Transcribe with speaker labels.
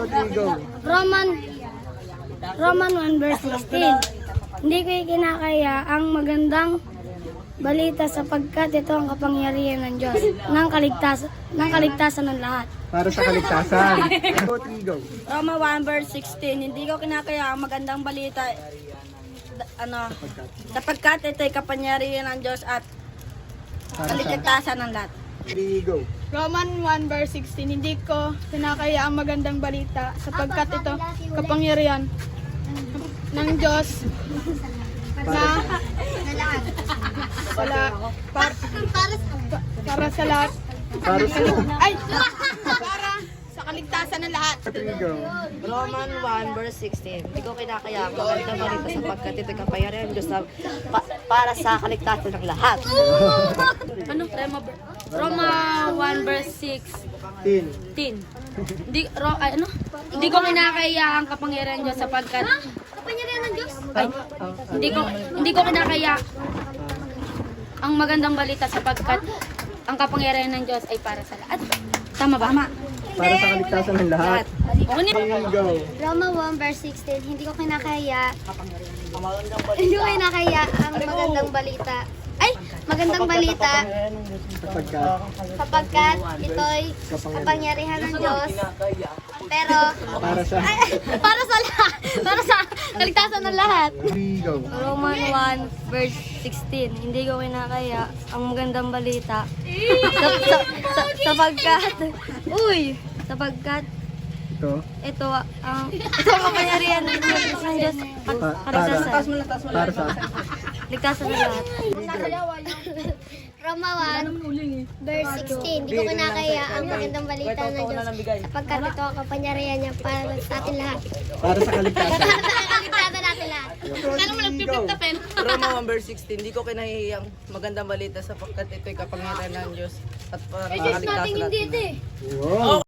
Speaker 1: 2, 3, go.
Speaker 2: Roman 1 verse 16. Hindi ko kinakaya ang magandang balita sapagkat ito ang kapangyarihan ng Diyos ng kaligtasan ng lahat.
Speaker 1: Para sa kaligtasan. 2, 3, go.
Speaker 2: Roma 1 verse 16. Hindi ko kinakaya ang magandang balita sapagkat ito ay kapangyarihan ng Diyos at
Speaker 1: Para sa
Speaker 2: kaligtasan ng lahat.
Speaker 1: 3, go.
Speaker 3: Roman 1 verse 16. Hindi ko kinakaya ang magandang balita sapagkat ito kapangyarihan ng Diyos na para sa lahat.
Speaker 1: Para sa
Speaker 3: Ay! Para sa kaligtasan ng lahat.
Speaker 1: 3, go.
Speaker 4: Roman 1 verse 16. Hindi ko kinakaya ang magandang balita sapagkat ito'y kapangyarihan ng Diyos para sa kaligtasan ng lahat.
Speaker 2: Ano? Roma 1 verse
Speaker 1: 10.
Speaker 2: 16. Hindi ko kinakaya ang kapangyarihan ng Diyos sapagkat
Speaker 3: Kapangyarihan ng Diyos?
Speaker 2: hindi ko kinakaya ang magandang balita sapagkat ang kapangyarihan ng Diyos ay para sa lahat. Tama ba, Ma?
Speaker 1: Para sa kaligtasan ng lahat.
Speaker 2: Okay na.
Speaker 1: 3, go.
Speaker 5: Roma 1 verse 16, hindi ko kinakaya ang magandang balita. Ay, magandang balita sapagkat ito'y kapangyarihan ng Diyos. Pero
Speaker 1: Para sa
Speaker 5: para sa lahat, para sa kaligtasan ng lahat.
Speaker 1: 3, go.
Speaker 2: Roman 1 verse 16. Hindi ko kinakaya ang magandang balita sapagkat
Speaker 1: Ito.
Speaker 2: ito ang kapangyarihan ng Diyos at
Speaker 1: Para sa
Speaker 2: kaligtasan ng lahat.
Speaker 5: Roma 1 verse 16, hindi ko kinakaya ang magandang balita ng Diyos sapagkat ito ang kapangyarihan niya para sa atin lahat.
Speaker 1: Para sa kaligtasan.
Speaker 5: Para sa kaligtasan natin lahat.
Speaker 1: 3, go.
Speaker 4: Roma 1 verse 16. Hindi ko kinahiyang magandang balita sapagkat ito'y kapangyarihan ng Diyos at para sa kaligtasan ng lahat.
Speaker 1: Wow.